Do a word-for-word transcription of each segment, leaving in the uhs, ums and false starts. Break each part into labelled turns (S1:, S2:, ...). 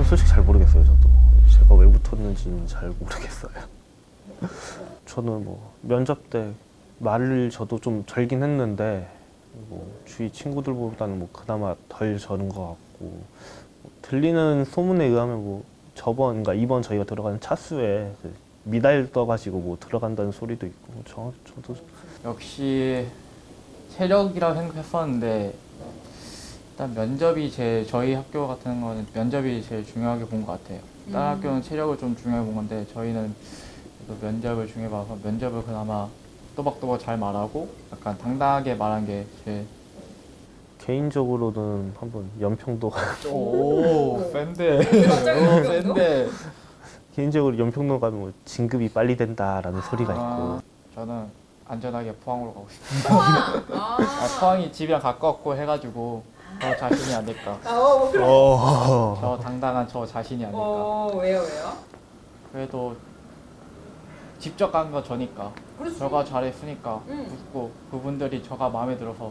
S1: 저는 솔직히 잘 모르겠어요. 저도 제가 왜 붙었는지는 잘 모르겠어요. 저는 뭐 면접 때 말을 저도 좀 절긴 했는데 뭐 주위 친구들보다는 뭐 그나마 덜 저는 것 같고, 뭐 들리는 소문에 의하면 뭐 저번, 그러니까 이번 저희가 들어가는 차수에 그 미달 떠가지고 뭐 들어간다는 소리도 있고, 저 저도
S2: 역시 체력이라고 생각했었는데 일단 면접이 제 저희 학교 같은 거는 면접이 제일 중요하게 본 것 같아요. 다른
S3: 음.
S2: 학교는 체력을 좀 중요하게 본 건데 저희는 그래도 면접을 중요해 봐서 면접을 그나마 또박또박 잘 말하고 약간 당당하게 말한 게 제일.
S1: 개인적으로는 한번 연평도
S2: 오, 센데.
S3: 갑자기
S2: 오,
S3: 연평도?
S2: 센데.
S1: 개인적으로 연평도 가면 뭐 진급이 빨리 된다라는 소리가 있고.
S2: 아, 저는 안전하게 포항으로 가고 싶습니다.
S3: 포항. 아.
S2: 아, 포항이 집이랑 가깝고 해가지고 저 자신이 아닐까.
S3: 아, 어, 그럼.
S1: 어.
S2: 저 당당한 저 자신이 아닐까.
S3: 어, 왜요, 왜요?
S2: 그래도 직접 간 거 저니까.
S3: 그렇지.
S2: 저가 잘했으니까.
S3: 응.
S2: 그리고 그분들이 저가 마음에 들어서.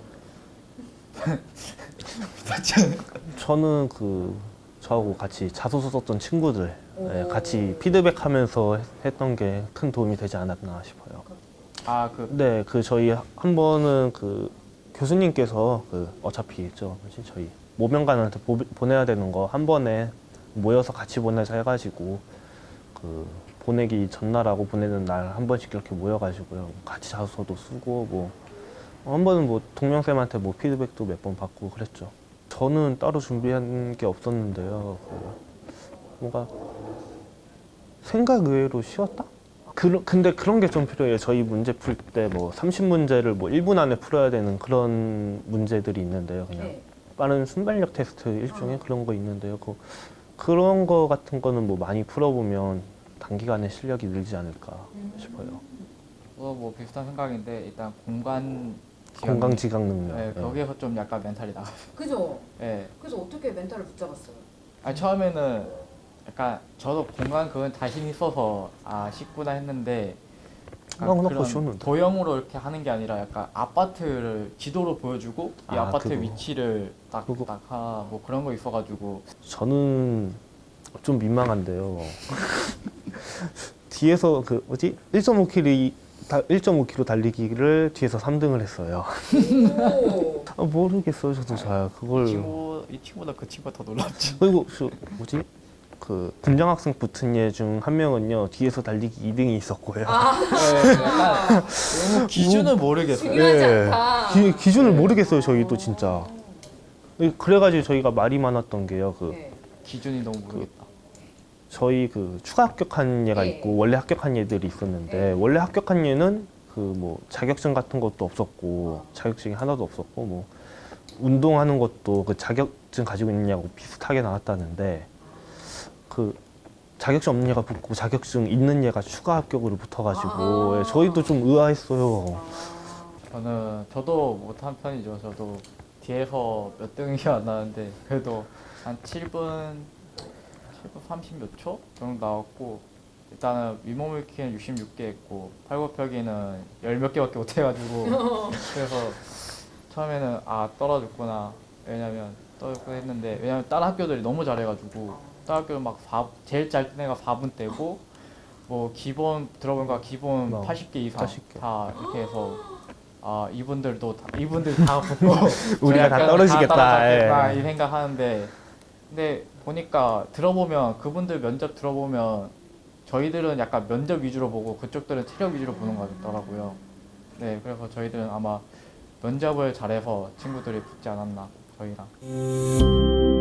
S1: 저는 그 저하고 같이 자소서 썼던 친구들 예,
S3: 오.
S1: 같이 피드백하면서 했- 했던 게 큰 도움이 되지 않았나 싶어요.
S2: 아, 그
S1: 네, 그 저희 한 번은 그 교수님께서 그 어차피 저 뭐지 저희 모명관한테 보, 보내야 되는 거 한 번에 모여서 같이 보내자 해가지고 그 보내기 전날하고 보내는 날 한 번씩 이렇게 모여가지고요 같이 자소서도 쓰고 뭐 한 번은 뭐 동명쌤한테 뭐 피드백도 몇 번 받고 그랬죠. 저는 따로 준비한 게 없었는데요. 그 뭔가 생각 외로 쉬웠다? 그, 근데 그런 게 좀 필요해요. 저희 문제 풀 때 뭐 삼십 문제를 뭐 일 분 안에 풀어야 되는 그런 문제들이 있는데요. 그냥
S3: 네.
S1: 빠른 순발력 테스트 일종의 그런 거 있는데요. 그, 그런 거 같은 거는 뭐 많이 풀어보면 단기간에 실력이 늘지 않을까 싶어요.
S2: 뭐, 뭐 비슷한 생각인데 일단 공간 지향-
S1: 건강지각 능력.
S2: 네,
S1: 예.
S2: 거기에서 좀 약간 멘탈이 나갔어요.
S3: 그죠?
S2: 네.
S3: 그래서 어떻게 멘탈을 붙잡았어요?
S2: 아니, 처음에는 약간 저도 공간 그건 자신 있어서 아 쉽구나 했는데 약간
S1: 나 그거
S2: 그런
S1: 쉬웠는데.
S2: 도형으로 이렇게 하는 게 아니라 약간 아파트를 지도로 보여주고 이
S1: 아,
S2: 아파트
S1: 그거.
S2: 위치를
S1: 그거.
S2: 딱딱하 뭐 그런 거 있어가지고
S1: 저는 좀 민망한데요. 뒤에서 그 뭐지 일 점 오 킬이 일 점 오 킬로 달리기를 뒤에서 삼 등을 했어요.
S3: 오.
S1: 아, 모르겠어요, 저도 잘 그걸.
S2: 이 친구 이 친구보다 그 친구가 더 놀랍지.
S1: 그리고 저 뭐지 그 군장 학생 붙은 얘 중 한 명은요 뒤에서 달리기 이 등이 있었고요.
S3: 아,
S2: 네, 약간 너무 기준을 모르겠어요.
S3: 중요하지
S1: 예.
S3: 않다.
S1: 기, 기준을 모르겠어요, 저희도 진짜. 그래가지고 저희가 말이 많았던 게요. 그
S3: 네.
S2: 기준이 너무 모르겠다.
S1: 저희 그 추가 합격한 얘가
S3: 네.
S1: 있고 원래 합격한 얘들이 있었는데
S3: 네.
S1: 원래 합격한 얘는 그 뭐 자격증 같은 것도 없었고 자격증이 하나도 없었고 뭐 운동하는 것도 그 자격증 가지고 있느냐고 비슷하게 나왔다는데 그 자격증 없는 얘가 붙고 자격증 있는 얘가 추가 합격으로 붙어가지고
S3: 아.
S1: 예, 저희도 좀 의아했어요.
S3: 아,
S2: 저는 저도 못한 편이죠. 저도 뒤에서 몇 등이 안 나는데 그래도 한 칠 분 칠 분 삼십 몇 초 정도 나왔고 일단은 위몸일으키는 육십육 개 했고 팔굽혀기는 열 몇 개밖에 못 해가지고 그래서 처음에는 아 떨어졌구나. 왜냐면 떨어졌구나 했는데 왜냐면 다른 학교들이 너무 잘해가지고 다른 학교는 막 사, 제일 짧은 애가 사 분 떼고 뭐 기본 들어보니까 기본
S1: 어,
S2: 팔십 개 이상
S1: 팔십 개.
S2: 다 이렇게 해서 아 이분들도 다, 이분들 다 붙고
S1: 우리가 다
S2: 약간
S1: 떨어지겠다.
S2: 다 떨어졌겠다
S1: 예.
S2: 이 생각하는데 근데 보니까 들어보면 그분들 면접 들어보면 저희들은 약간 면접 위주로 보고 그쪽들은 체력 위주로 보는 것 같더라고요. 네, 그래서 저희들은 아마 면접을 잘해서 친구들이 붙지 않았나 저희랑.